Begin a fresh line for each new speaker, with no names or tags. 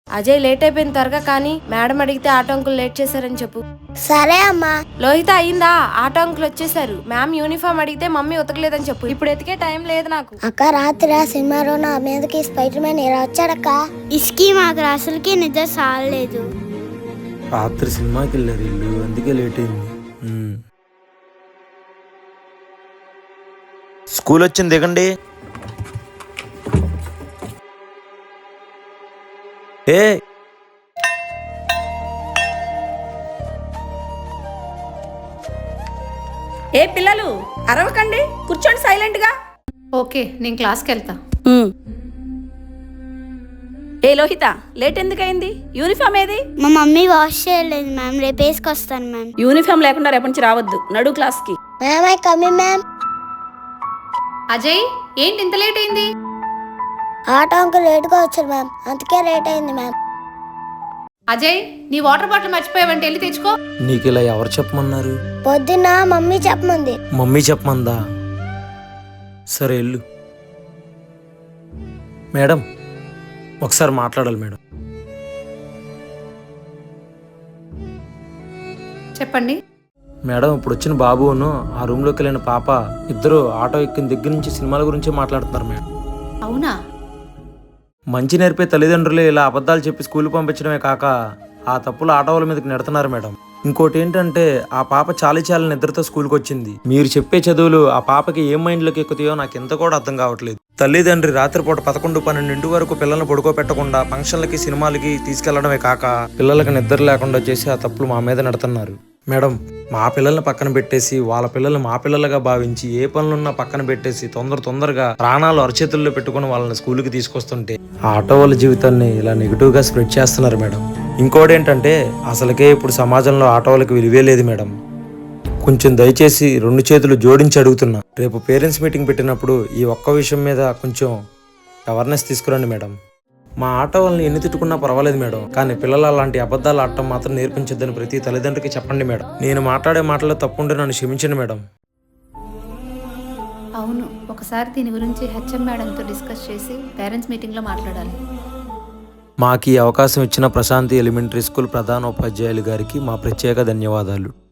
Ajay late అయిపోయిన త్వరగా కానీ మేడం అడిగితే ఆటో అంకుల్ లేట్ చేశారని చెప్పు.
సరే అమ్మా.
లోహిత అయిందా? ఆటో అంకుల్ వచ్చేసారు. మ్యామ్ యూనిఫామ్ అడిగితే మమ్మీ ఉతకలేదని చెప్పు. ఇప్పుడు ఎతికే టైం లేదు నాకు.
అక్క రాత్రి ఆ సినిమాలో నా మీదకి స్పైడర్ మ్యాన్ ఇలా వచ్చాడక్క. ఇసుకి మాకు అసలుకి నిద్ర సాలేదు.
రాత్రి సినిమాకి వెళ్ళారు ఇల్లు, అందుకే లేట్ అయింది.
స్కూల్ వచ్చింది, దిగండి. ఏ
ఏ పిల్లలు అరవకండి, కూర్చోండి సైలెంట్ గా.
ఓకే, నేను క్లాస్కి వెళ్తా.
ఏ లోహిత, లేట్ ఎందుకయింది? యూనిఫామ్ ఏది?
మా మమ్మీ వాష్ చేయలేదు మ్యామ్, రేపు వేసుకొస్తాను మ్యామ్.
యూనిఫామ్ లేకుండా రేపటి నుంచి రావద్దు, నడు క్లాస్ కి.
Ma'am I coming ma'am.
Ajay, ఏంటి ఇంత లేట్ అయింది?
ఆటో అంకుల్ లేట్గా వచ్చారు మ్యామ్, అందుకే లేట్ అయింది మ్యామ్.
అజయ్, నీ వాటర్ బాటిల్ మర్చిపోయావంటే వెళ్ళి తెచ్చుకో.
నీకు ఇలా ఎవరు చెప్పమన్నారు?
పొద్దున్న మమ్మీ చెప్పమంది.
మమ్మీ చెప్పమందా? సరే వెళ్ళు. మేడం, ఒకసారి మాట్లాడాలి మేడం.
చెప్పండి.
మేడం, ఇప్పుడు వచ్చిన బాబును ఆ రూమ్లోకి వెళ్ళిన పాప ఇద్దరు ఆటో ఎక్కిన దగ్గర నుంచి సినిమాల గురించి మాట్లాడుతున్నారు మేడం.
అవునా?
మంచి నేర్పే తల్లిదండ్రులే ఇలా అబద్ధాలు చెప్పి స్కూల్ పంపించడమే కాక ఆ తప్పులు ఆటోల మీదకి నెడుతున్నారు మేడం. ఇంకోటి ఏంటంటే ఆ పాప చాలి నిద్రతో స్కూల్కి వచ్చింది. మీరు చెప్పే చదువులు ఆ పాపకి ఏం మైండ్లోకి ఎక్కుతాయో నాకు ఎంత కూడా అర్థం కావట్లేదు. తల్లిదండ్రి రాత్రిపూట 11-12 వరకు పిల్లల్ని పడుకోబెట్టకుండా ఫంక్షన్లకి సినిమాలకి తీసుకెళ్లడమే కాక పిల్లలకి నిద్ర లేకుండా చేసి ఆ తప్పులు మా మీద నెడుతున్నారు మేడం. మా పిల్లల్ని పక్కన పెట్టేసి వాళ్ళ పిల్లల్ని మా పిల్లలుగా భావించి ఏ పనులున్నా పక్కన పెట్టేసి తొందరగా ప్రాణాలు అరచేతుల్లో పెట్టుకుని వాళ్ళని స్కూల్కి తీసుకొస్తుంటే ఆ ఆటో వాళ్ళ జీవితాన్ని ఇలా నెగిటివ్ గా స్ప్రెడ్ చేస్తున్నారు మేడం. ఇంకోటి ఏంటంటే అసలుకే ఇప్పుడు సమాజంలో ఆటో వాళ్ళకి విలువే లేదు మేడం. కొంచెం దయచేసి 2 చేతులు జోడించి అడుగుతున్నా, రేపు పేరెంట్స్ మీటింగ్ పెట్టినప్పుడు ఈ ఒక్క విషయం మీద కొంచెం అవేర్నెస్ తీసుకురండి మేడం. మా ఆటో వాళ్ళని ఎన్ని తిట్టుకున్నా పర్వాలేదు మేడం, కానీ పిల్లలు అలాంటి అబద్ధాలు ఆడటం మాత్రం నేర్పించొద్దని ప్రతి తల్లిదండ్రికి చెప్పండి మేడం. నేను మాట్లాడే మాటల్లో తప్పుంటే నన్ను క్షమించండి మేడం.
అవును, ఒకసారి దీని గురించి హెచ్ఎం మేడంతో డిస్కస్ చేసి పేరెంట్స్ మీటింగ్లో మాట్లాడాలి.
మాకు ఈ అవకాశం ఇచ్చిన ప్రశాంతి ఎలిమెంటరీ స్కూల్ ప్రధానోపాధ్యాయులు గారికి మా ప్రత్యేక ధన్యవాదాలు.